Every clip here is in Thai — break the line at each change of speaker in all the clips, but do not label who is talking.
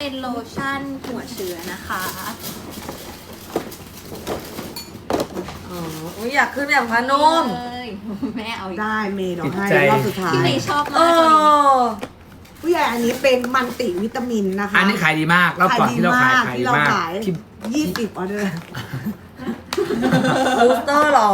เป็นโลชั่นหัวเชื้อนะคะ
อ๋ออยากขึ้นแบบพนม
เลยแม่เอาอีก
ได้เมย์ดอกให้
ติดใจ
รอบสุดท้าย
พี่เมย์ชอบ
เอ
มากตัวนี้
อ
ผู้ใหญ่อันนี้เป็นมันติวิตามินนะคะ
อันนี้ขายดีมากรอบก่อนที่เราขาย
ที่เรา
มาก
ขาย
ที่
20 ออเดอร์
บูสเตอร์หรอ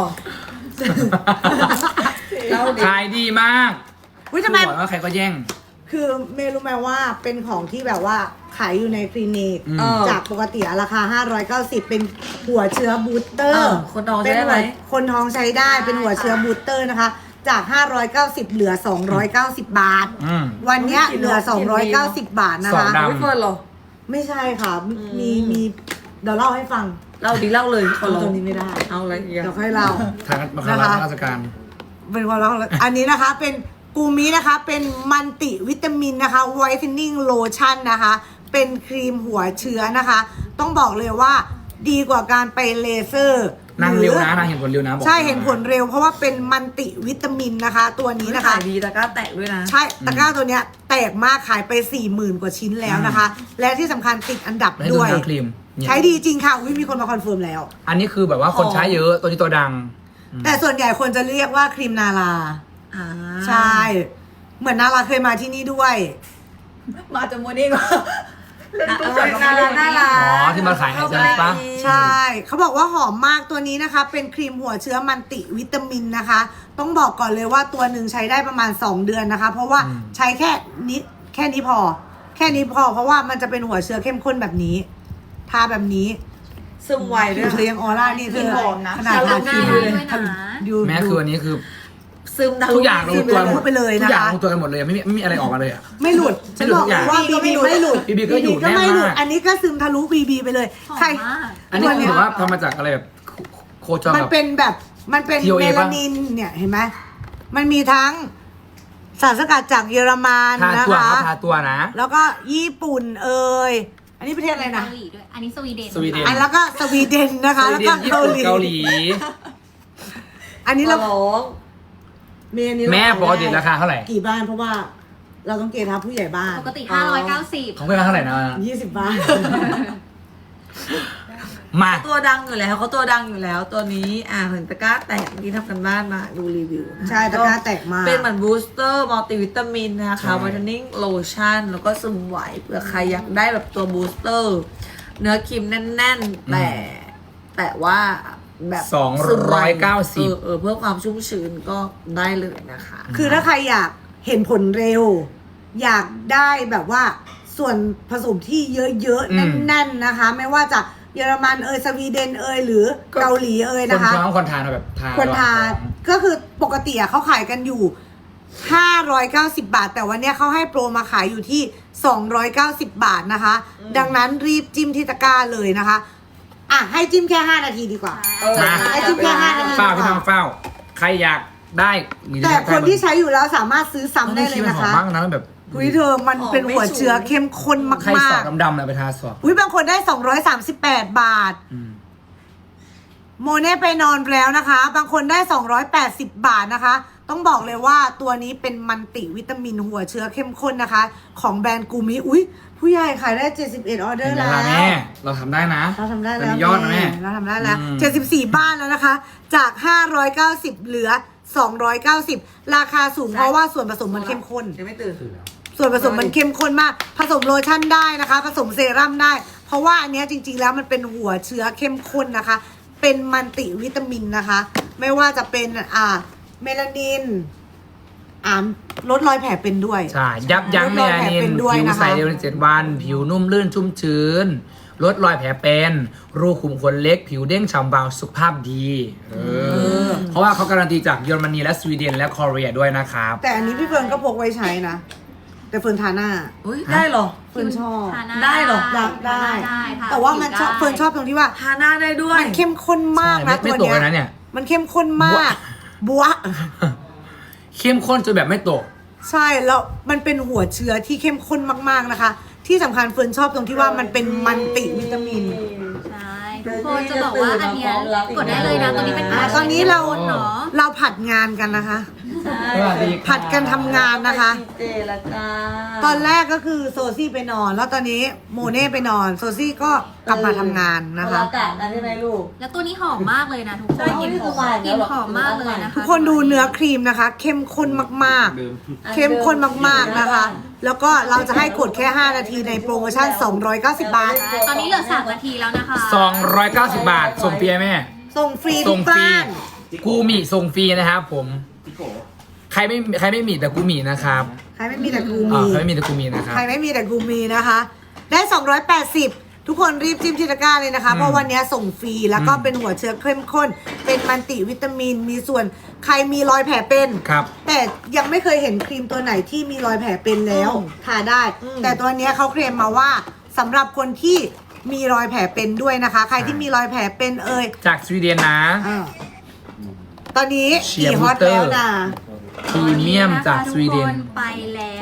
เราดิ
ขายดีมาก
วิทำไม
บอกว่าใครก็แย่ง
คือเมย์รู้ไหมว่าเป็นของที่แบบว่าขายอยู่ในคลินิก
อืม
จากปกติราคา 590 เป็นหัวเชื้อบูสเตอร์
คนท้องใช้ได้ไหม
คนท้องใช้ได้เป็นหัวเชื้อบูสเตอร์นะคะ จาก 590 เหลือ 290 บาท
อืม
วันเนี้ยเหลือ 290 บาทนะ
สอง
คะ
ดาว
ไม่เฟิร์นหรอ
ไม่ใช่ค่ะ มีเดี๋ยวเล่าให้ฟัง
เล่าดิเล่าเลยขอ
เอา
ร้อ
ต
ง
รงนี้ไม่ได้
เอาอะไรอีก
เดี๋ยว
อะ
ค่อยเล่า
ทางมาคาราชการ
เป็นความรักอันนี้นะคะเป็นกูมินะคะเป็นมันติวิตามินนะคะไวท์เทนนิ่งโลชั่นนะคะ เป็นครีมหัวเชื้อนะคะ ต้องบอกเลยว่าดีกว่าการไปเลเซอร์
นางเร็ว
หอ
นะนางเห็นผลเร็วนะบอก
ใช่เห็นผลเร็วเพราะว่าเป็นมันติวิตามินนะคะ ตัวนี้นะคะ
ขายดีตะกร้าแตกด้วยนะ
ใช่ตะกร้าตัวเนี้ยแตกมากขายไป 40,000 กว่าชิ้นแล้วนะคะ และที่สำคัญติดอันดับ
ให้ดู
ด้วย
ทางครีมเนี่ย
ใช้ดีจริงค่ะอุ๊ยมีคนมาคอนเฟิร์มแล้ว
อันนี้คือแบบว่าคนใช้เยอะตัวนี้ตัวดัง
แต่ส่วนใหญ่คนจะเรียกว่าครีมนารา
อ่า
ใช่ เหมือนนาราเคยมาที่นี่ด้วย
มาจากโมนี่ก็
น่ารักน่ารัก
อ๋อที่มาขายให้ใช่ปะ
ใช่ เขาบอกว่าหอมมากตัวนี้นะคะ เป็นครีมหัวเชื้อมันติวิตามินนะคะ ต้องบอกก่อนเลยว่าตัวหนึ่งใช้ได้ประมาณ 2 เดือนนะคะ เพราะว่าใช้แค่นี้พอ แค่นี้พอ เพราะว่ามันจะเป็นหัวเชื้อเข้มข้นแบบนี้ ทาแบบนี้
ซึมไวด้วย
เธอยังออร่านี่เธอ
หอมนะ
ขนาด
ทา
ทา
หน้า
ครีม
ได้ด้วยนะ
ดู
แม้คืออันนี้คือ
ซึมทะลุ
ทุกอย่างลงตัวหมด
ไปเลย
ทุ
นะ
กอย่าง
คะ
ลงตัวกันหมดเลยไม่มีอะไรออกมาเลยอ่ะ
ไม่หลุด
ไม่หลุด
บอก
ทุกอย่าง
ว่าบีบีไม่หลุด
BB ก็อยู่
ก็ไม่หลุด
แน่นมาก
อันนี้ก็ซึมทะลุบีบีไปเลย
หอม
ใคร
มาก
อันนี้คือแบบว่าทำมาจากอะไรแบบโคจร
มัน
แบบ
เป็นแบบมันเป็น
TOA
เมลานินเนี่ยเห็นไหมมันมีทั้งสารสกัดจากเยอรมัน
ทา
นะ
ตัว
คะ
เขาทาตัวนะ
แล้วก็ญี่ปุ่นเอ่ยอันนี้ประเทศอะไรนะ
เกาหลีด้วย อันนี้สวีเดน
สวีเด
อันแล้วก็สวีเดนนะคะ แล้วก็
ญี่
เกา
ปุ่น
หลี
เกาหลี
อันนี้
เรา
เรา
ร้อง
เมนี้เรา
แม่
ขาย
ปกติราคาเท่าไหร่
กี่บ้านเพราะว่า เราต้องเกณฑ์ทับผู้ใหญ่บ้าน
ปกติ 590
ของเพื่อนเท่าไหร่นะ
20 บ้าน
มา
ตัวดังอยู่แล้วเขาตัวดังอยู่แล้วตัวนี้เห็นตะกร้าแตกที่ทำกันบ้านมาดูรีวิวนะคะ
ใช่ตะกร้าแตกมาก
เป็นเหมือนบูสเตอร์มัลติวิตามินนะ
ใช่
คะวิตามินโลชั่นแล้วก็ซึมไหวเผื่อใครอยากได้แบบตัวบูสเตอร์ เนื้อครีมแน่นๆ แต่ว่าแบบ
290
เพื่อความชุ่มชื้นก็ได้เลยนะคะ
คือถ้าใครอยากเห็นผลเร็ว อยากได้แบบว่าส่วนผสมที่เยอะๆ แน่นๆนะคะ ไม่ว่าจะเยอรมันสวีเดนหรือเกาหลี
คน
นะคะ
ท้องคนทานแบบทาน
ควรทาน
ระหว่างท้อง
ก็คือปกติเขาขายกันอยู่ 590 บาท แต่วันเนี้ยเขาให้โปรมาขายอยู่ที่ 290 บาทนะคะ ดังนั้นรีบจิ้มที่ตะกร้าเลยนะคะ ให้จิ้มแค่ 5 นาทีดีกว่า
มา
ไอ้จิ้มแค่5 นาที
เฝ้าพี่ทองเฝ้า ใครอยากได้หรือ
แต่
อยาก
ค
ได้
นที่ใช้อยู่แล้วสามารถซื้อซ้ำได้เลย
มัน
นะ
หอม
คะ
มากนะแบบ
อุ้ยเธอมันเป็นหัวเชื้อเข้มข้น
ใคร
มา
สอก บดำๆเลยไปทาสอบ
ๆอุ้ยบางคนได้ 238 บาท
อืม
โมเน่ไปนอนแล้วนะคะ บางคนได้ 280 บาทนะคะ ต้องบอกเลยว่าตัวนี้เป็นมันติวิตามินหัวเชื้อเข้มข้นนะคะ ของแบรนด์กูมิอุ้ยผู้ใหญ่ขายได้ 71 ออเดอ
เห็น
ร์
ไหม
แล้ว
ล่ะแม่เราทำได้นะ
เราทำได้
แต่
แล้ว
มียอดนะแม่
เราทำได้แล้ว
อืม
74 บ้านแล้วนะคะ จาก 590 เหลือ 290 ราคาสูงเพราะว่าส่วนผสมมันเข้มข้น
ยังไม่ตื่น
ส่วนผสมมันเข้มข้นมาก ผสมโลชั่นได้นะคะ ผสมเซรั่มได้ เพราะว่าอันเนี้ยจริงๆแล้วมันเป็นหัวเชื้อเข้มข้นนะคะ เป็นมันติวิตามินนะคะ ไม่ว่าจะเป็นเมลานินลดรอยแผลเป็นด้วย
ใช่ ยับยั้งเมลานิน
เป็นด้วย
ผิว
นะคะ
ใสเร็วใน7 วัน ผิวนุ่มลื่นชุ่มชื้น ลดรอยแผลเป็น รูขุมขนเล็ก ผิวเด้งฉ่ำเบาสุขภาพดีเพราะว่าเขาการันตีจากเยอรมนีและสวีเดนและคอเรียด้วยนะครับ
แต่อันนี้พี่เฟิร์นก็พกไว้ใช้นะ แต่เฟิร์นทาหน้า
อุ้ยได้เหรอ
เฟิร์นชอบ
ทาหน้า
ได้เหรอ
อยากได้
ทา
แต่ว่ามันชอบ
ผิ
เฟิร์นชอบตรงที่ว่า
ทาหน้าได้ด้วย
มันเข้มข้นมากนะ
ไม่
ตัว
ตก
เนี้
เลยนะเนี่ย
มันเข้มข้นมากบัว
เข้มข้นจนแบบไม่ตก
ใช่แล้วมันเป็นหัวเชื้อที่เข้มข้นมากๆนะคะ ที่สำคัญเฟิร์นชอบตรงที่ว่ามันเป็นมันติวิตามิน
ใช่ทุกคนจะบอกว่าอันเนี้ยกดได้เลยนะตัวนี้เป็น
ตอนนี้เรา
เนาะ
เราผัดงานกันนะคะ
สวัสดีครับ
ผัดกันทำงานนะคะ
เจละจ้า
ตอนแรกก็คือโซซี่ไปนอน แล้วตอนนี้โมเน่ไปนอน โซซี่ก็กลับมาทำงานนะคะ
อากาศนะใช่ไหมลูก
แล้วตัวนี้หอมมากเลยนะทุกค
ใช่
น
นี่คือหวาน
กลิ่นหอมมากเลยนะคะ
ทุกคนดูเนื้อครีมนะคะ เข้มข้นมากๆ เข้มข้นมากๆนะคะ แล้วก็เราจะให้กดแค่ 5 นาทีในโปรโมชั่น 290 บาท
ตอนนี้เหลือ3 นาทีแล้วนะคะ
290 บาทส่งฟรีไหมแม่
ส่งฟรี
ส่
ทุ
ง
ก
ฟรี
บ้าน
กูมีส่งฟรีนะครับผมใครไม่มีแต่กูมีนะครับ
ใครไม่มีแต่กู
อ่า
มี
ใครไม่มีแต่กูมีนะครับ
ใครไม่มีแต่กูมีนะคะ ได้ 280 ทุกคนรีบจิ้มที่ตะกร้าเลยนะคะ เพราะวันนี้ส่งฟรีแล้วก็เป็นหัวเชื้อเข้มข้น เป็นมัลติวิตามิน มีส่วนใครมีรอยแผลเป็น
ครับ
แต่ยังไม่เคยเห็นครีมตัวไหนที่มีรอยแผลเป็นแล้วทาได้ แต่ตัวเนี้ยเขาเคลมมาว่าสำหรับคนที่มีรอยแผลเป็นด้วยนะคะ ใครที่มีรอยแผลเป็น
จากสวีเดนนะ
ตอนนี้
เชียร์
กี่ฮอต
บูเตอร์
แล้วนะ
พรีเมียมจากสวีเดน
ทุกคนไปแล้ว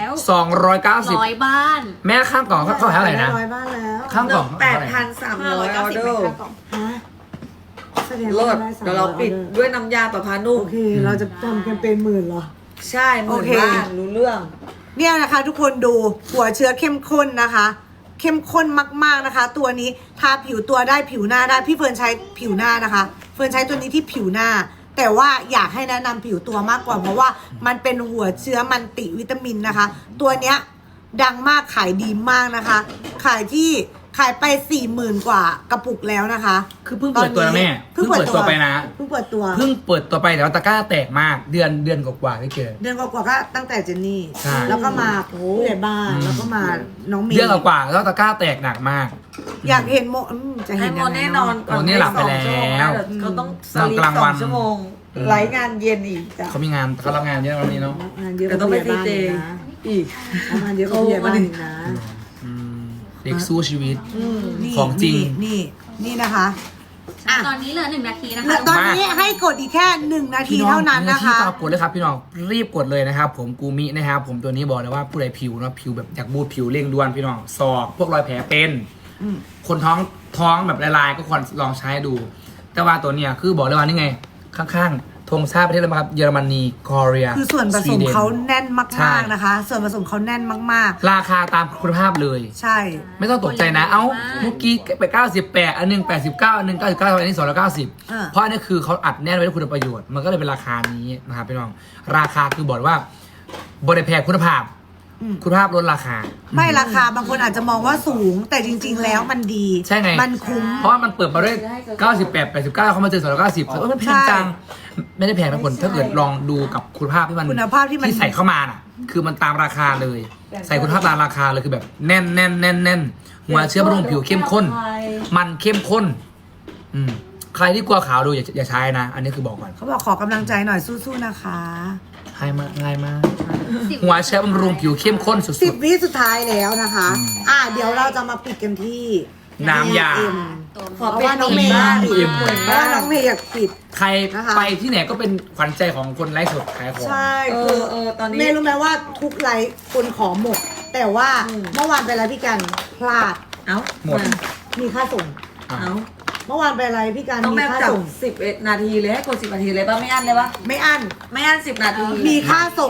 290
100 บ้าน
แม่ข้างกล่องเขาเท่าไหร่นะ
ร้อยบ้านแล้ว
ข้างกล่อง
8,300 ออเดอร์
ฮะแสดง
เลิ
ว่า
ศ
ได้300
เดี๋ยวเราปิดด้วยน้ำยาประพานุ่ม
โอเค เราจะทำแคมเปญ10,000เหรอ
ใช่หมื่น
โอเค
บ้านรู้เรื่อง
เนี่ยนะคะทุกคนดูหัวเชื้อเข้มข้นนะคะ เข้มข้นมากๆนะคะ ตัวนี้ทาผิวตัวได้ผิวหน้าได้พี่เฟิร์นใช้ผิวหน้านะคะ เฟิร์นใช้ตัวนี้ที่ผิวหน้า แต่ว่าอยากให้แนะนำผิวตัวมากกว่าเพราะว่ามันเป็นหัวเชื้อมันติวิตามินนะคะ ตัวเนี้ยดังมากขายดีมากนะคะ ขายไป 40,000 กว่ากระปุกแล้วนะคะ
คือเพิ่งเปิดตัวนะแม่
เพิ่งเปิดตัว
ไปนะ
เพิ่งเปิดตัว
เพิ่งเปิดตัวไปแต่ว่าตะกร้าแตกมากเดือนกว่าๆที่เจอ
เดือนกว่าๆก็ตั้งแต่เจนนี่
ใช่
แล้วก็มาผู้ใหญ่บ้านแล้วก็มาน้องเมย์
เดือนกว่าๆแล้วตะกร้าแตกหนักมาก
อยากเห็นจะ
ให้
เห็น
โม
ยังไง
แน่น
เนาะ
อน
โมเน่หลับไปแล้ว
เขาต้องส
นอน
ลีป
กลางวัน
2 ชั่วโมงไลฟ์งานเย็นอีกจ้ะ
เขามีงานเขารับงานเยอะวันนี้เนาะ
งานเยอะ
เดี๋ยวต้องไป
กว่าผู้ใหญ่บ้าน
CJ
นะ
อีก
งานเยอะกว่าผู้ใหญ่บ้านอีกนะ
อืมเด็กสู้ชีวิต
นี่
ของจริง
นี่นะคะ
ตอนนี้เหลือ1 นาทีนะคะ
แล้วตอนนี้ให้กดอีกแค่1 นาที
พี่น้อง
เท่านั้นนะ
ที่
คะ
ต่อกดเลยครับพี่น้องรีบกดเลยนะครับผมกูมินะครับผมตัวนี้บอกเลยว่าผู้ใดผิวเนาะผิวแบบอยากบูดผิวเร่งด่วนพี่น้องศอกพวกรอยแผลเป็น คนท้องแบบลายๆก็ควรลองใช้ดู แต่ว่าตัวเนี้ยคือบอกเลยว่านี่ไง ข้างๆธงชาติประเทศอะไรบ้างครับเยอรมนีเกาหลี
คือส่วนผสมเขาแน่น
ใช่
มากๆนะคะ ส่วนผสมเขาแน่นมาก
ราคาตามคุณภาพเลย
ๆ ใช่
ไม่ต้องตกใจนะ เอ้าเมื่อกี้ไป98อันหนึง89อันหนึง99อันนี้290เพราะอันนี้คือเขาอัดแน่นไว้ด้วยคุณประโยชน์มันก็เลยเป็นราคานี้นะครับพี่น้องราคาคือบอกว่าบริแพงคุณภาพ คุณภาพลดราคา
ไม่ราคาบางคนอาจจะมองว่าสูง แต่จริง ๆ แล้วมันดี
ใช่ไง
มันคุ้ม
เพราะว่ามันเปิดมาด้วย98 89เขามาเจอ290เขาไม่แพงจังไม่ได้แพงนะคนถ้าเกิดลองดูกับคุณภาพที่มัน
คุณภาพที่มัน
ใส่เข้ามาน่ะ คือมันตามราคาเลย ใส่คุณภาพตามราคาเลยคือแบบแน่นหัวเชื้อบำรุงผิวเข้มข้น มันเข้มข้น ใครที่กลัวขาวดูอย่าใช้นะ อันนี้คือบอกก่อน
เขาบอกขอกำลังใจหน่อยสู้ๆนะคะ
ง่ายมากหัวเชื้อบำรุงผิวเข้มข้นสุด
10 วิสุดท้ายแล้วนะคะ เดี๋ยวเราจะมาปิดกันที่
ๆน้ำยา
เอ็ม
ขอ
เพราะ
เป็น
ว่าน้องเมย์
บ้าน
ปิด
เอ็ม
เพราะว่าน้องเมย์อยากปิด
ใคร
นะคะ
ไปที่ไหนก็เป็นขวัญใจของคนไลฟ์สดขายของ
ใช่
เอ
คือ
อตอนนี้
เมย์รู้ไหมว่าทุกไลฟ์คนขอหมด แต่ว่าเมื่อวานไปไลฟ์พี่กันพลาด
เอ้า
หมด
มีค่าส่ง
เอ้า
เมื่อวานไปไลฟ์พี่กัน
ต้อง
มี
แบบ
ค่า
จับ
ส่ง
11 นาทีเลยให้กด10 นาทีเลยป่ะไม่อั้นเลยป่ะ
ไม่อั้น
ไม่อั้น10 นาที
มีค่าส่ง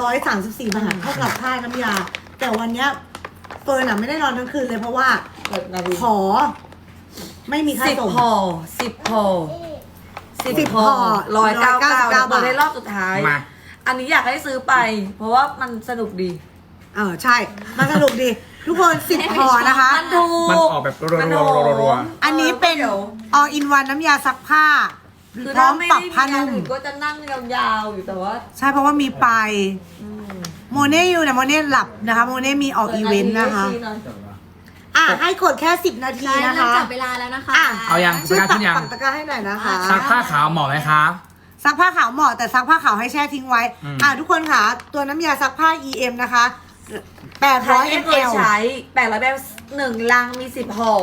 134 บาทเท่ากับค่าน้ำยา แต่วันเนี้ยเฟิร์นไม่ได้นอนทั้งคืนเลยเพราะว่า
10 นาที
ขอ ไม่มีค่า
10
ส่ง
ห่อ10 ห่อ
10 ห่อ
199บอกได้รอบสุดท้าย
มา
อันนี้อยากให้ซื้อไป เพราะว่ามันสนุกดี
ใช่ มันสนุกดี ทุกคน 10 ห่อนะคะ
มันถูก
มันออกแบบรัวๆ
อันนี้เป็น all in one น้ำยาซักผ้า
คือ
พร้
ถ้า
อม
ไม่
ปรับ
ได้
ผ้า
มีงาน
นุ่ม
อื่นก็จะนั่งยาวๆอยู่แต่ว่า
ใช่เพราะว่ามีไปโมเน่อยู่นะโมเน่หลับนะคะ โมเน่มีออกอีเวนต์นะคะ ให้กดแค่ 10 นาที
ใช่
นะ
เริ่ม
คะ
จับเวลาแล้วนะคะ
เอายัง
ช่วย
ประกาศขึ้นยัง
ปักตะกร้าให้หน่อยนะคะ
ซักผ้าขาวเหมาะไหมคะ
ซักผ้าขาวเหมาะแต่ซักผ้าขาวให้แช่ทิ้งไว้ ทุกคนค่ะ ตัวน้ำยาซักผ้า EM นะคะ
ใครไม่เคย
800 ml
ใช้800แบบ1 ลังมี 10 ห่อ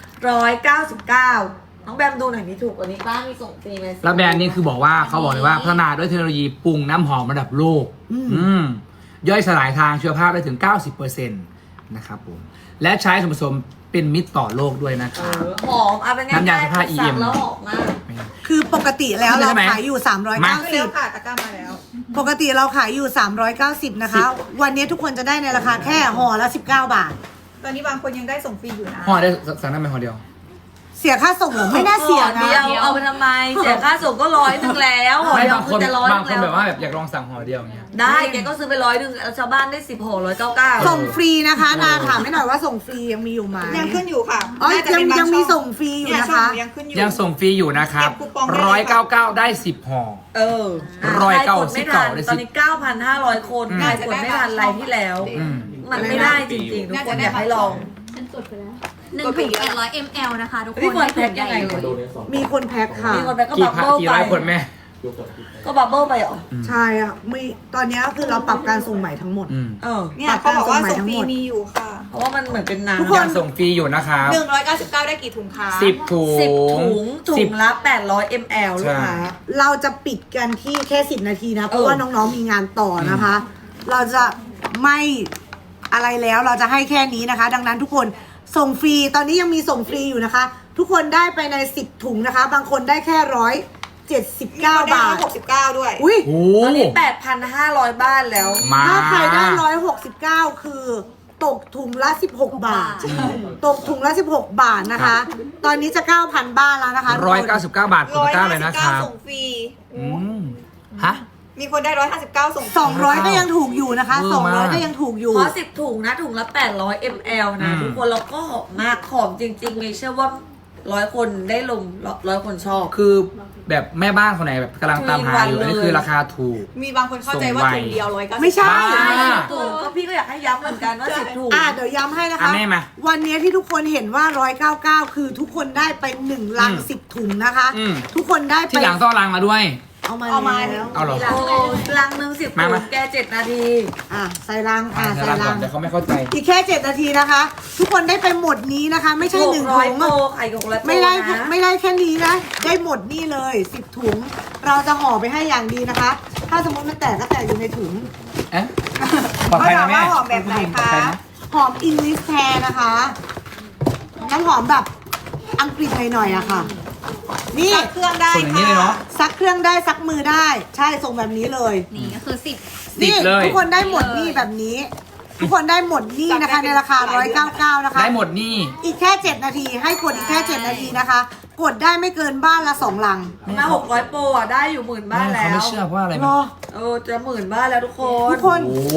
199 น้องแบมดูหน่อยมีถูกกว่านี้ป้ามีส่งฟรีไหม
แล้วแบรนด์นี้คือบอกว่าเขาบอกเลยว่าพัฒนาด้วยเทคโนโลยีปรุงน้ำหอมระดับโลก ย่อยสลายทางเชื้อผ้าได้ถึง 90%นะครับผม และใช้ส่วนผสมเป็นมิตรต่อโลกด้วยนะคะ
หอมเอาเป็นไง
น้ำยาซักผ้า
สั่ง
EM
แล้วหอมมาก
คือปกติแล้ว
ขึ้นเลย
เรา
ใช่ไหม
ขายอยู่
มา
เร็ว
390
ค่ะตะกร้ามาแล้ว
ปกติเราขายอยู่ 390 นะคะ วันนี้ทุกคนจะได้ในราคาแค่ห่อละ19 บาท
ตอนนี้บางคนยังได้ส่งฟรีอยู่นะ
ห่อได้สั่งได้ไหมห่อเดียว
เสียค่าส่งเหรอไม่น่าเสียนะ
เดียวเอาไปทำไมเสียค่าส่งก็100แล้วห่อ
ไม่
เดียว
บาง
คื
ค
อนจะ100
บางคน
แล้ว
แบบว่าแบบอยากลองสั่งห่อเดียวอย่างเงี้ย
ได้แกก็ซื้อไป100แล้วชาวบ้านได้10ห่อ199
ส่งฟรีนะคะนาถามให้หน่อยว่าส่งฟรียังมีอยู่ไหม
ยังขึ้นอยู่ค่ะ
อ๋อ
น่าจะเป็นบา
ยังมี
ช่อ
ส่งฟรีอยู่
เนี่ย
นะ
ช่อง
คะ
หนูยังขึ้นอยู่
ยังส่งฟรีอยู่นะครับ
เก็บคูปองได้เลยค่ะ
199ได้10ห่อ
เออ
199
ใคกดไม่ทัน
ได้10
ตอนนี้ 9,500 คน
อืม
ใครกดไม่ทันไลน์ที่แล้ว
อืม
มันไม่ได้จริงๆ ทุกคนอยากให้ลอง
ฉันกดไปแล้ว1 ถุง800 ml นะคะทุกคน
พี่เฟิร์นแพ็คยังไง
เล
เลย
มีคนแพ็คค่ะ
มีคนไปก็
กี่
บับ
พัน
เบิ้ล
กี่
ไป
ร้อยคนแม่
ก็บับเบิ้ลไปเหรอ
ใช่อ่ะมีตอนนี้ก็คือเราปรับการส่งใหม่ทั้งหมด
อืม
เออ
เนี่ยเขาบอกว่าส่งฟรี
ทั้งหมด
มีอยู่ค่ะ
เพราะว่ามันเหมือนเป็นน้ำ
ทุกคน
ยังส่งฟรีอยู่นะครับ
199 ได้กี่ถุงคะ
10 ถุง
10 ถุง
สิบ
ละ800 ml ลูกค้า
เราจะปิดกันที่แค่10 นาทีนะ เพราะ
เออ
ว่าน้องๆมีงานต่อนะคะ เราจะไม่อะไรแล้วเราจะให้แค่นี้นะคะ ดังนั้นทุกคนส่งฟรีตอนนี้ยังมีส่งฟรีอยู่นะคะ ทุกคนได้ไปใน10 ถุงนะคะ บางคนได้แค่179 บาท
69ด้วย
อุ้ย
โอ้
ตอนนี้ 8,500 บ้านแล้ว
มา
ถ้าใครได้169 คือตกถุงละ16 บาท ตกถุงละ16 บาทนะคะ ตอนนี้จะ 9,000 บ้านแล้วนะคะ
199 บาทคุณตะกร้าเลยนะครับ
159ส่งฟรี
อืมฮะ
มีคนได้ 159 ส่งฟรี
200 ก็ยังถูกอยู่นะคะ
เวอร์มาก
200 ก็ยังถูกอยู่
เพราะ10 ถุงนะ ถุงละ 800 ml นะ
อืม
ทุกคนแล้วก็หอมมากหอมจริงๆเลยเชื่อว่า100 คนได้ลง100 คนชอบ
คือแบบแม่บ้านคนไหนแบบกำลังตามหาอยู่
3 วัน
อันนี้
เลย
คือราคาถูก
มีบางคนเข้าใจว่าถุงเดียว199
ไม่ใช่
บ้า
ถุงก็พี่ก็อยากให้ย้ำเหมือนกันว่า10 ถุง
เดี๋ยวย้ำให้นะ
อ่ะ
คะ
แม่มา
วันนี้ที่ทุกคนเห็นว่า 199 คือทุกคนได้ไป1ลัง
อืม
10 ถุงนะคะ
อืม
ทุกคนได้ไป
ที่หลังต้องรังมาด้วย
เอามา
เอามา
แล้ว
เอาเหรอ
โอ้ลังหนึ่ง10 ถุ
มาง มา
แก7 นาที
ใส่ลังใส่
เดี๋ยวรังก่
ลั
อน
ง
เดี๋ยวเขาไม่เข้าใจ
อีกแค่7 นาทีนะคะ ทุกคนได้ไปหมดนี้นะคะ ไม่ใช่1 ถุ
600
ง
โปรไข่600โปร
ไม่ได้
นะ
ไม่ได้แค่นี้นะ ได้หมดนี่เลย10 ถุง เราจะห่อไปให้อย่างดีนะคะ ถ้าสมมติมันแตกก็แตกอยู่ในถุง
เอ๊ะปลอดภัยนะแม่
เขาถามว่าหอมแบบไหนคะ
ปลอดภัยนะ
หอมอิงลิสแทนนะคะน้ำหอมแบบอังกฤษหน่อยๆอะค่ะ นี่
ซักเครื่องได้
ส่งอย่างนี้เลยเนาะ
ซักเครื่องได้ซักมือได้ ใช่ส่งแบบนี้เลย
นี่ก็คือ
นี่
เลย
ทุกคนได้หมดนี่แบบนี้ ทุกคนได้หมดนี่นะคะ ในราคา 199 นะคะ
ได้หมดนี่
อีกแค่ 7 นาที ให้กดอีกแค่ 7 นาทีนะคะ กดได้ไม่เกินบ้านละ 2 ลัง
มา600 โปรอ่ะได้อยู่10,000 บ้าน
แม่
แล้
เขา
ว
ไม่เชื่อเพราะว่าอะไร
ร
มั้
อ
ย
จะ10,000 บ้านแล้วทุกคน
ทุกคน
โอ้โห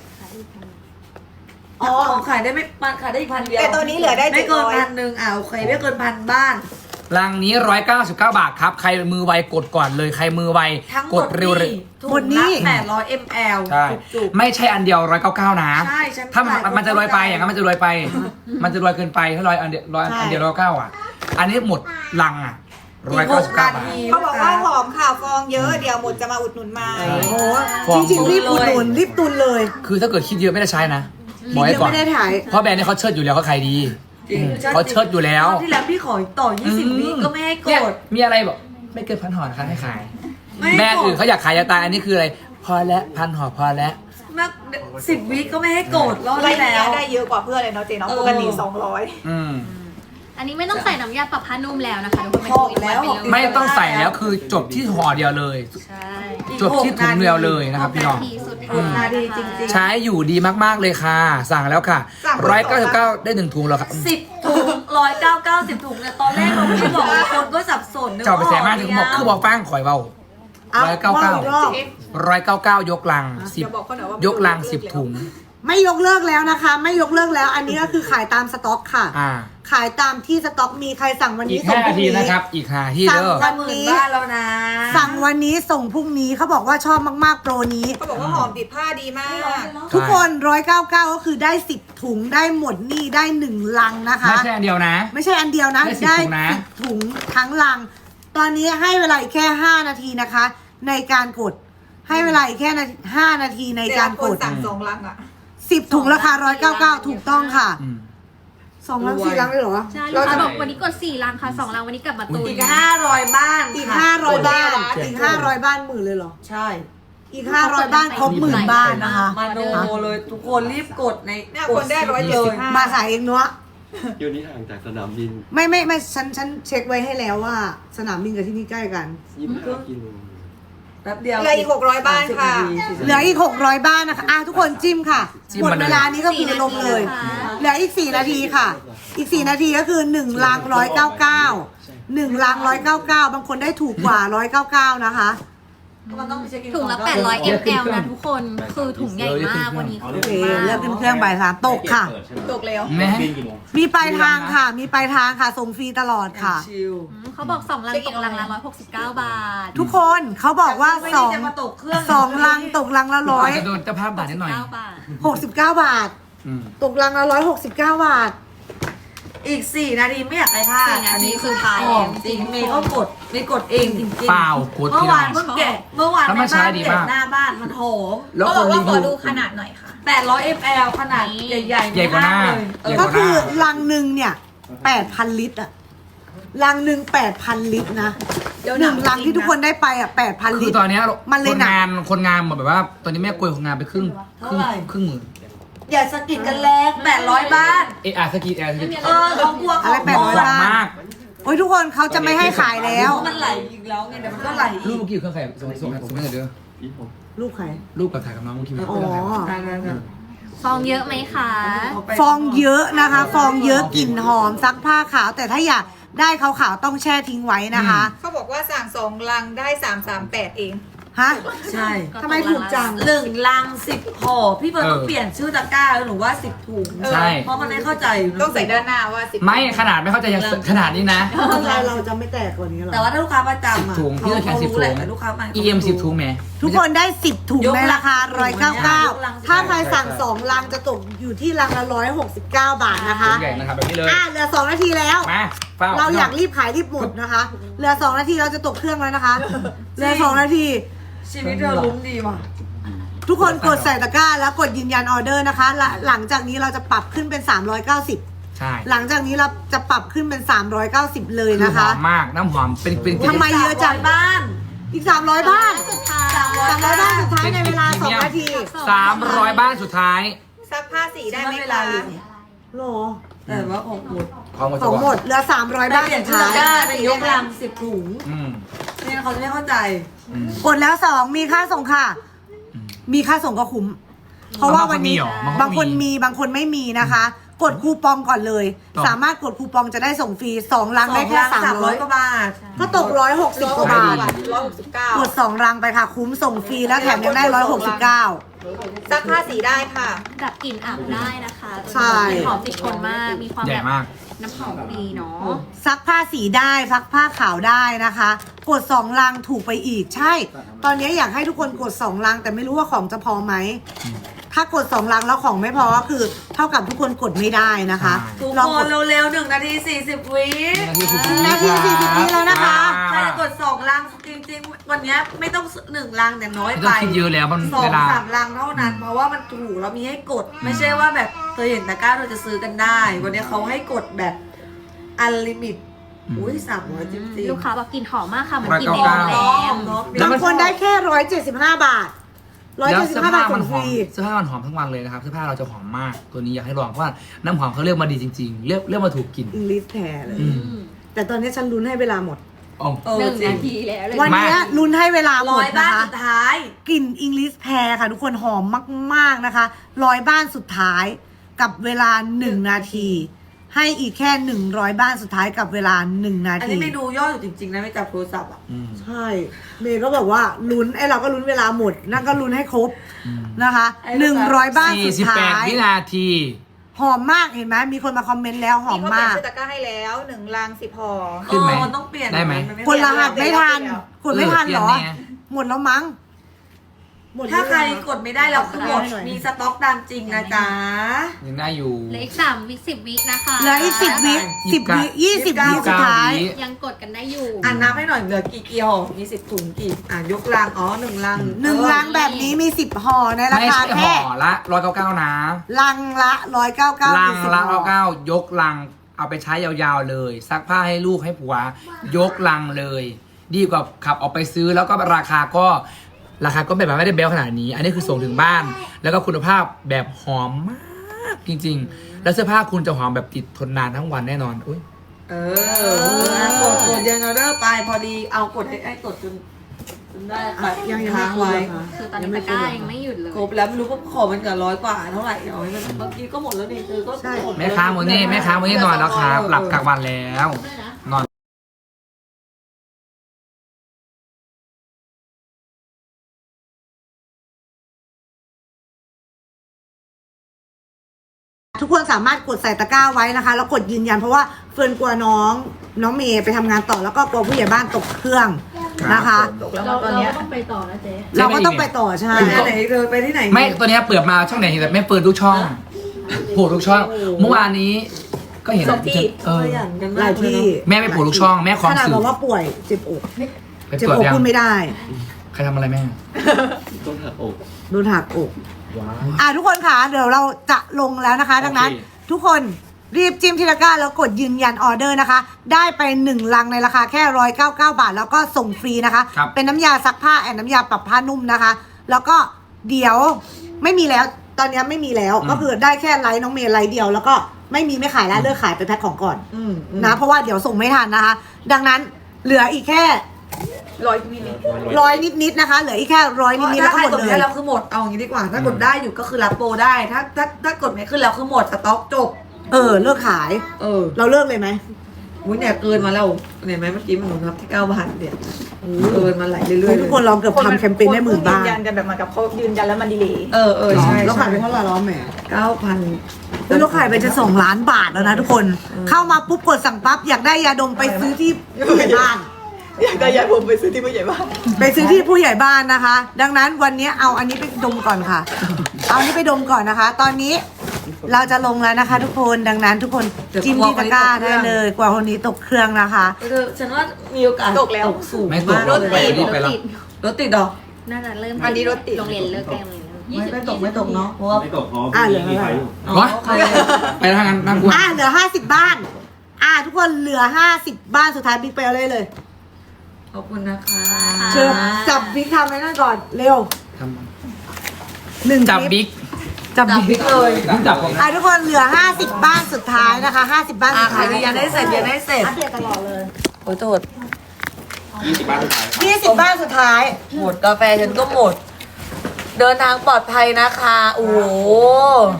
อ๋อขายได้ไม่มันขายได้อีก1,000 เดียว
แต่ตัวนี้เหลือได้
ไม่เกิน
700
1,000โอเคไม่เกิน1,000 บ้าน
รังนี้ 199 บาทครับ ใครมือไวกดก่อนเลย ใครมือไว
ทั้งหม
ก
ด
ดเร็วเลย
ถุง
หมดนี่
ละ800 ml
ใช่
จุก
ไม่ใช่อันเดียว 199 นะ
ใช่ฉัน
ถ้ามัน
จ่าย
มันจะรวยไปอย่างนั้นมันจะรวยไป มันจะรวยเกินไปถ้าอันเดียวอันเดียว199อ่ะ อันนี้หมดลังอ่ะ
ๆอีก
199
6
บา
นา
ท
ที
เขาบอกว่าหอมข่าวฟองเยอะ เดี๋ยวหมดจะมาอุดหนุนใหม่
ใช่
โอ้โห
ฟอง
จริงๆรีบอุดหนุนรีบตุนเลย
คือถ้าเกิดคิดเยอะไม่ได้ใช้นะบ
รี
อก
บ
ไว้
ยัง
ก่อน
ไม่ได้ถ่าย
เพราะแบรนด์นี้เขาเชิดอยู่แล้วเขาขายดี
จริง
เขาเชิดอยู่แล้ว
รอบที่แล้วพี่ขอต่อ 20 วิก็ไม่ให้ก
เนี่ย
ด
มีอะไรบอกไม่เกิน1,000 ห่อนะคะให้ขาย
ไม่ให้
แบรนด์
ก
อื่
ด
นเขาอยากขายยาตายอันนี้คืออะไร พอแล้ว1,000 ห่อพอแล้ว
มาก10 วิก็ไม่ให้กดรอบ
ไร
ที่
เนี้
แล้ว
ได้เยอะกว่าเพื่อนเลยเนาะเจ๊เนาะ
เออ
ปกติ200
อืม
อันนี้ไม่ต้องใส่น้ำยาปรับผ้านุ่มแล้วนะคะทุกคน
หอมแล้ว
เป็น
หอม
ถุง
ไม่ต้องใส่แล้วคือจบที่ห่อเดียวเลย
ใช่
อีก
จบที่ถุงเดียวเลยนะครับพี่น้อง
นาทีสุด
หก
ท้าย
นาทีจริงๆ
ใช้อยู่ดีมากๆเลยค่ะ สั่งแล้วค่ะ
สั่ง
199ได้1 ถุงแล้วครับ
10 ถุง199 ถุงเนี่ยตอนแรกเราไม่ได้บอกเลยคนก็สับสนนึก
เจ้าไปแสนมากถึงบอก
ว่า
คือบอกฟังข่อยเบา
เอาว่าอีกรอบ
199 ยกลัง
เดี๋ยวบอกเขาหน่อยว่า
10 ยกลัง 10 ถุง
ไม่ยกเลิกแล้วนะคะ ไม่ยกเลิกแล้ว อันนี้ก็คือขายตามสต็อกค่ะ
อ่า
ขายตามที่สต็อกมีใครสั่งวัน
อี
นี้
ก
ส่ง
5
พ
นา
รุ่ง
ที
นี้
นะครับ อีก5ที่เด้อ
จะ10,000 บ้านแล้วนะ
สั่งวันนี้ส่งพรุ่งนี้เขาบอกว่าชอบมากๆโปรนี้
เขาบอกว่าหอมติดผ้าดีมาก
ทุกคน 199 ก็คือได้ 10 ถุงได้หมดนี่ได้ 1 ลังนะคะ
ไม่ใช่อันเดียวนะ
ไม่ใช่อันเดียวนะ
ได้10ถุงนะ
10 ถุงทั้งลัง ตอนนี้ให้เวลาอีกแค่ 5 นาทีนะคะ ในการกด ให้เวลาอีกแค่5 นาทีใน
แต่
การ
ละค
ก
น
ด
สั่ง2 ลังอ่ะ
10 ถุงราคา 199 ถูกต้องค่ะ
อืม
2 ลัง 4 ลังเลยเหรอ
ใช่ลู
เรา
กค้า
จะ
บอกวันนี้กด4ลังค่ะ2ลังวันนี้กลับมาตุน
อีก500 บ้าน
อีก
ค่ะ
500 บ้าน
เจ็ด
อีก500 บ้านหมื่นเลยเหรอ
ใช่
อีก 500 บ้านครบหมื่นบ้านนะคะ
มาโนเลยทุกคนรีบกดใน
เนี่ย
ก
ค
ด
นได้
เลย
175
มาขายเองเนาะ
อยู่นี่ห่างจากสนามบิน
ไม่ฉันเช็คไว้ให้แล้วว่า สนามบินกับที่นี่ใกล้กัน
25 กิโล
แป๊บเดียว
เหลืออีก600 บ้านค่ะ
เหลืออีก600 บ้านนะคะทุกคนจิ้มค่ะ
จิ้ม
หมด
มาเลย
เวลานี้ก็คือลงเลย เหลืออีก4 นาทีค่ะ อีก4 นาทีก็คือ1 ลัง 199 1 ลัง 199 บางคนได้ถูกกว่า 199 นะคะ
มันต้องไปเช็คอิน
ถุงละ
ก่อน
800 ml นะทุกคน คือถุงใหญ่มากวันนี้
โอเคเลือกขึ้นเครื่องบ่าย3ตกค่ะ
ตกแล้ว
แม่
มีปลายทางค่ะ มีปลายทางค่ะ ส่งฟรีตลอดค่ะ
ชิล
เขาบอก2ลังตกลังละ169 บาท
ทุกคนเขาบอกว่า
ไม่ได้จะมาตกเครื่อง
2 ลังตกลังละ
อาจจะโดนเจ้าภาพด่านิดหน่อย
บาท
169 บาท
อืม
ตกลังละ169 บาท
อีก 4 นาทีไม่อยากไปพลาด
4 นาทีคือท้าย
หอมจริงเมย์ก็กดไม่กดเองจริงๆ
เปล่ากด
เมื่
ที่
อวาน
เรา
เพิ่งแกะเมื่อวาน
แล้วมันใช้ดีมาก
แกะหน้าบ้านมันหอม
แล้วคนรีวิว
ขนาดหน่อยค่ะ
800 ml ขนาดใหญ่ๆ
ใหญ่กว่าหน้า
เลย
ใหญ่
ก็คือลังหนึ่งเนี่ย 8,000 ลิตรอะลังหนึ่ง8,000 ลิตรนะ
เดี๋ยว
หนึ่ง
หนัก
ลังที่ทุกคนได้ไปอ่ะ 8,000
คื
ลิ
อ
ตร
ตอนเนี้ย
มันเลย
คน
หนัก
งานแบบว่า ตอนนี้แม่กลัวคนงานไปครึ่งหมื่น
อย่าสะกิดกันแรง800 บ้าน
สกีแอร์สกี
เขากลัวเขา
อะไร800
หวัง
บ้าน
มาก
โอ้ยทุกคนเขาจะไม่ให้ขายแล้ว
มันไหลอีกแล้วไงเดี๋ยวมันก็ไหล
รู
อี
ป
ก
เมื่อกี้อยู่เครื่องใครส่งให้เด้อ
พี่ผม
ลูกใคร
รูปกับถ่ายกับน้องเมื่อกี้
อ๋อ
ฟองเยอะไหมคะ
ฟองเยอะนะคะ ฟองเยอะกลิ่นหอมซักผ้าขาว แต่ถ้าอยากได้ขาวๆต้องแช่ทิ้งไว้นะคะ
เขาบอกว่าสั่ง2 ลังได้ 338 เอง
ฮะ
ใช่
ทำไมถูกจัง
1 ลัง 10ห่อพี่เบิร์ดต้องเปลี่ยนชื่อตะกร้าแล้วหนูว่า 10 ถุง
ใช่
เพราะมันไม่เข้าใจยู่นะ
ต้องใส่ด้านหน้าว่า10
ไม่ขนาดไม่เข้าใจยังขนาดนี้นะ
เราจะไม่แตกกว่านี้หรอ
แต่ว่าถ้าลูกค้าประจำอ่ะ
10 ถุงพี่จะแค่10
รู้แหละ
ถุง
แต่ลูกค้าใหม่
EM 10 ถุงแหม
ทุกคนได้ 10 ถุง
ยก
ใน
ลัง
ราคา
ยกลัง
199 ถ้าใครสั่ง 2 ลังจะตกอยู่ที่ลังละ169 บาทนะคะ
ถุงใหญ่นะครับแบบนี้เลย
เหลือ 2 นาทีแล้ว
มาเฝ้า
เราอยากรีบขายรีบหมดนะคะ เหลือ 2 นาทีเราจะตกเครื่องแล้วนะคะ เหลือ 2 นาที
ชีวิตเธอลุ้มดีว่ะ
ทุกคนกดใส่ตะกร้าแล้วกดยืนยันออเดอร์นะคะหลังจากนี้เราจะปรับขึ้นเป็น 390
ใช่
หลังจากนี้เราจะปรับขึ้นเป็น 390 เลยนะคะ
หอมมากน้ำหอมเป็น
ทำไมเยอะจัง
บ้าน
อีก 300 บ้าน
สุดท้าย
300 บ้านสุดท้ายในเวลา 2 นาที
300 บ้านสุดท้าย
ซักผ้าสีได้ไหม
เว
คะ
ลาอยู่
โหรอ
แต่ว่าของหมด
ของหมด
ของหมดเหลือ 300 บ้าน
เปลี่ย
สุ
น
ด
ชื่อ
ท้าย
ตะกร้าเป็นยกลัง 10 ถุง
อืม
ไม่งั้นเขาจะไม่เข้าใจ
อืม
กดแล้ว 2 มีค่าส่งค่ะ มีค่าส่งก็คุ้ม เพราะว่าวันนี้บางคนมีบางคนไม่มีนะคะ กดคูปองก่อนเลย สามารถกดคูปองจะได้ส่งฟรี 2 ลังได้แค่
300 กว่าบาท
ก็ตก160 กว่าบาท กด 2 รังไปค่ะ คุ้มส่งฟรีแล้วแถมยังได้169
ซักผ้าสีได้ค่ะ
ดับกลิ่นอับได้นะคะ
ใช่
หอมติดทนมาก มีความ
ใหญ่
แบบ
มาก
น้ำหอมดีเนาะ
ซักผ้าสีได้ซักผ้าขาวได้นะคะ กด 2 ลังถูกไปอีกใช่ ตอนนี้อยากให้ทุกคนกด 2 ลัง แต่ไม่รู้ว่าของจะพอไหม ถ้ากด 2 ลังแล้วของไม่พอก็คือ เท่ากับทุกคนกดไม่ได้นะคะ
ทุก
ลอง
ค
ก
น
ด
เร็วๆ1 นาที 40 วิ
นาที 40 วิแล้วนะคะ
ใครจะกด 2 ลังจริงๆ วันนี้ไม่ต้อง 1 ลังเนี่ยน้อย
ไม่
ไป
ต้องคิดเยอะแล้วมัน
สอ
เว
ง
ลา
สามลังเท่านั้น เพราะว่ามันถูกแล้วมีให้กด ไม่ใช่ว่าแบบเธอเห็นตะกร้าเราจะซื้อกันได้ วันนี้เขาให้กดแบบอันลิมิต อุ้ย300จริงๆ
ลูกค้าแบบกลิ่นหอมมากค่ะเหมือนกลิ่น
199
แอร์แรง
แล้ว
บางคนได้แค่175 บาท
แล้วเสื้อ
175 บา
ผ้า
ท
มัน
ส่ง
ห
ฟ
อม
รี
เสื้อผ้ามันหอมทั้งวันเลยนะครับเสื้อผ้าเราจะหอมมากตัวนี้อยากให้ลองเพราะว่าน้ำหอมเขาเลือกมาดีจริงๆเลือกมาถูกกลิ่น
อิงลิสแท้เลย
อืม
แต่ตอนนี้ฉันลุ้นให้เวลาหมด
อ๋อ
หนึ่ง
จริ
นาง ทีแล้วเลย
วันนี้ลุ้นให้เวลาหม
ร้อ
ด
ยบ้า
นะ
น
คะ
สุดท้าย
กลิ่นอิงลิสแพรค่ะ ทุกคนหอมมากๆนะคะ100 บ้านสุดท้ายกับเวลา 1 นาที ให้อีกแค่100 บ้านสุดท้ายกับเวลา 1 นา
อัน
ที
นี้ไม่ดูยอดอยู่จริงๆนะไม่จับโทรศัพท์อ่ะ
อืม
ใช่ เมย์ก็แบบว่าลุ้นไอ้เราก็ลุ้นเวลาหมดนั่นก็ลุ้นให้ครบนะคะ100 บ้านสุดท้าย
48 วินาที
หอมมากเห็นไหมมีคนมาคอมเมนต์แล้วหอม
เขาเปลี่ย
มาน ก
ชื่อตะกร้าให้แล้ว1 ลัง 10 ห่อ
ขึ้นไหม
มันต้องเปลี่ยน
ได้ไหม
น
คนรหัสไม่ทันกดไม่ทันเหรอ
เปลี่ยนไง
หมดแล้วมั้งหมด
ถ้าใคร
หอยัง
กดไม่ได้แล้วคือหมด
ได้หน่อย
มีสต็อกตามจริงนะจ๊ะ
ยังได้อยู่
เหลืออีก3 วิ10 วินะคะ
เหลืออีก10 วิ 10 วิ 20 วิสุดท้าย
ยังกดกันได้อยู่
อ่านนับให้หน่อยเหลือกี่ห่อมี10 ถุงกี่ยกลัง1 ลัง
1 ลังแบบนี้มี 10 ห่อในรา
ไม่
คา
ใช่
แค่
ห่อละ199นะ
ลังละ199
ลัง
คือ10
ละ
ห่อ
99ยกลังเอาไปใช้ยาวๆเลย ซักผ้าให้ลูกให้ผัวยกลังเลย ดีกว่าขับออกไปซื้อแล้วก็ราคาก็แบบไม่ได้แบลขนาดนี้ อันนี้คือส่งถึงบ้าน แล้วก็คุณภาพแบบหอมมากจริงๆแล้วเสื้อผ้าคุณจะหอมแบบติดทนนานทั้งวันแน่นอนอุ้ย
กดยังออเดอร์ไปพอดีเอากดให้กดจนได้ไป
ยัง
ค้าง
ไม่
ไว้
ครบเหรอคะ
คือตอนนี้ตะกร้ายังไม่หยุดเลย
ครบแล้วไม่รู้ว่าขอมันกับ100 กว่าเท่าไหร่เอาให้มันบางทีก็หมดแล้วนี่ก็หมด
แม่ค้าโมนี่นอนแล้วครับหลับกลางวันแล้วนอน
ทุกคนสามารถกดใส่ตะกร้าไว้นะคะ แล้วกดยืนยันเพราะว่าเฟิร์นกลัวน้องเมย์ไปทำงานต่อแล้วก็กลัวผู้ใหญ่บ้านตกเครื่องนะคะ
ตกแล้วตอนเนี้ย
ต้องไปต่อนะเจ๊
เราก็ต้องไปต่อใช่
ไปที่ไหนเธอไปที่ไหน
ไม่ตัวเนี้ยเปิดมาช่องไหนเห็นแต่แม่เปิดทุกช่องโผล่ทุกช่อง เมื่อวานนี้ก็เห็น
สองที่
เออ
ขยันกัน
ห
มา
ลาก ย
เลย
ที่
เนาะ
แม่ไม่โผล่ทุกช่องแม่ค
ข
วาม
นาด
สื่
บ
อ
อกว่าป่วยเจ็บอก
ไป
เจ็บ
ตรวจ
อก
ยัง
พูดไม่ได้
ใครทำอะไรแม่
ต้องหักอก
โดนหักอก
ว้าว
ทุกคนค่ะเดี๋ยวเราจะลงแล้วนะคะ ดังนั้น
โอเค
ทุกคนรีบจิ้มที่ตะกร้าแล้วกดยืนยันออเดอร์นะคะ ได้ไป1ลังในราคาแค่199 บาท แล้วก็ส่งฟรีนะคะ
ครับ
เป็นน้ำยาซักผ้าแอนน้ำยาปรับผ้านุ่มนะคะ แล้วก็เดี๋ยวไม่มีแล้วตอนนี้ไม่มีแล้วก็คือได้แค่ไลน์น้องเมย์ไลน์เดียว แล้วก็ไม่ขายแล้วเลิกขายไปแพ็คของก่อน
อืม
นะเพราะว่าเดี๋ยวส่งไม่ทันนะคะ ดังนั้นเหลืออีกแค่
100 มิลลิลิตร
ร้อยนิดๆนะคะ เหลืออีกแค่ร้อย
เพ
นิ
ราะ
ดๆ
ถ้า
แล้ว
ใค
ก็
ร
หมด
กด
เล
ไม่
ย
ได้เราคือหมดเอาอย่างนี้ดีกว่า ถ้ากดได้อยู่ก็คือรับโปรได้ ถ้ากดไม่ขึ้นแล้วคือหมดสต็อกจบ
เลิกขาย เราเลิกเลยไหม
อุ้ยเนี่ยเกินมาแล้วเห็นไหมเมื่อกี้มันหนูนับที่9,000เนี่ยเกินมาไหลเรื่อยๆ
ทุกคนลองเกือบทำแคมเปญได้หมื่นบ้าน
ยืนยันกันแบบเหมือนกับเขายืนยันแล้วมันดีเลย
ใช่
แล้วขายไปเท่าไหร่แล้วแหม
9,000
เราขายไปจะ2 ล้านบาทแล้วนะทุกคน เข้ามาปุ๊บกดสั่งปั๊บอยากได้ยาดมไปซื้อที่ผู้ใหญ่บ้าน
อยากได้ยาผมไปซื้อที่ผู้ใหญ่บ้าน
ไปซื้อที่ผู้ใหญ่บ้านนะคะ ดังนั้นวันนี้เอาอันนี้ไปดมก่อนค่ะ เอาอันนี้ไปดมก่อนนะคะ ตอนนี้เราจะลงแล้วนะคะ ทุกคน ดังนั้นทุกคนจิ้มที่ตะกร้าได้เลย กว่าคนนี้ตกเครื่องนะคะ
ฉันว่ามีโอกาส
ตกแล้ว
สูง
ไม่ตก
มาก
รถติดไปแล้ว
รถติดดอก
น่าจะเริ่ม
อันนี้รถติด
โรงเรียนเลิกใกล้โรงเรียนแล้ว
ไม่ตกเนาะเพราะว่า
ไม่ตกเพราะ
อ่ะเหลือ
มีไฟอยู่
อ๋อ
วะ
โอเค
ไปทางนั้นนั่งกลัว
เหลือ50 บ้าน ทุกคนเหลือ50 บ้านสุดท้ายบิ๊กไปเอาเลย
ขอบคุณนะคะ
เชิญจับบิ๊กทำไว้นั่นก่อนเร็ว
ทำ
1
จับ
คลิป
บิ๊ก
จับ
จับ
บิ๊
บิ๊
ก
กเลย
จับผม
ทุกคนเหลือ50 บ้านสุดท้ายนะคะ50 บ้านสุด
ใคร
ท้าย
ยืนยันได้เสร็จยืนยันได้เสร็จ
อัปเดตตลอดเลย
โอ้ยโทษ
20 บาทสุดท้าย
20 บ้านสุดท้าย
หมดกาแฟฉันก็หมด เดินทางปลอดภัยนะคะ โอ้โห